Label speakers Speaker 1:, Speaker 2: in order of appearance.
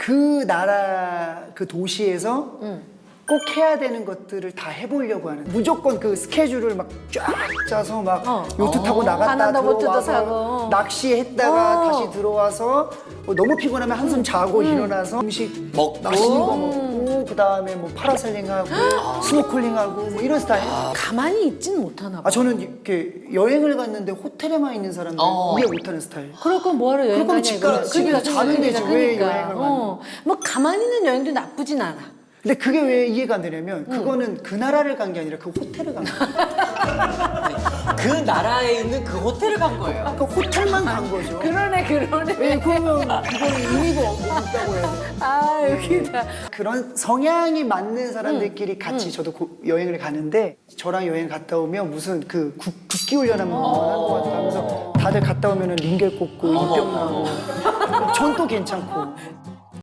Speaker 1: 그 나라 그 도시에서 꼭 해야 되는 것들을 다 해보려고 하는 무조건 그 스케줄을 막 쫙 짜서 막 요트 타고 나갔다
Speaker 2: 바나나 보트도
Speaker 1: 들어와서
Speaker 2: 타고.
Speaker 1: 낚시했다가 다시 들어와서 너무 피곤하면 한숨 자고 일어나서 음식
Speaker 3: 먹고.
Speaker 1: 맛있는 거 먹고 그 다음에 뭐 파라셀링하고 스노클링하고 뭐 이런 스타일.
Speaker 2: 가만히 있진 못하나 봐.
Speaker 1: 저는 이렇게 여행을 갔는데 호텔에만 있는 사람들 이해 못하는 스타일.
Speaker 2: 그럴 건 뭐하러 여행
Speaker 1: 그럴 거면
Speaker 2: 가냐
Speaker 1: 집에서 자면 되지. 왜 여행을 가냐.
Speaker 2: 뭐 가만히 있는 여행도 나쁘진 않아.
Speaker 1: 근데 그게 왜 이해가 안 되냐면 그거는 그 나라를 간 게 아니라 그 호텔을 간 거야.
Speaker 3: 그 나라에 있는 그 호텔을 간 거예요.
Speaker 1: 그 호텔만 간 거죠.
Speaker 2: 그러네.
Speaker 1: 왜 그러면 그건 의미가 없다고 해야 돼.
Speaker 2: 아 여기다.
Speaker 1: 그런 성향이 맞는 사람들끼리 같이 저도 여행을 가는데 저랑 여행 갔다 오면 무슨 그 국기 훈련 한번 한것 같다 하면서 다들 갔다 오면 링겔 꽂고 입병 나고 전 또 괜찮고